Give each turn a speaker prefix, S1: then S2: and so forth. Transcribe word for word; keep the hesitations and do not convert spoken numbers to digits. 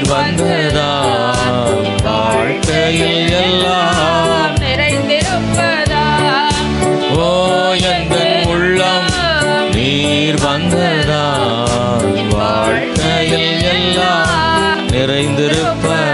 S1: வந்ததால் வாழ்க்கையில் எல்லாம்
S2: நிறைந்திருப்பதா.
S1: ஓ எந்தன் உள்ளம் நீர் வந்ததால் வாழ்க்கையில் எல்லாம் நிறைந்திருப்பதா.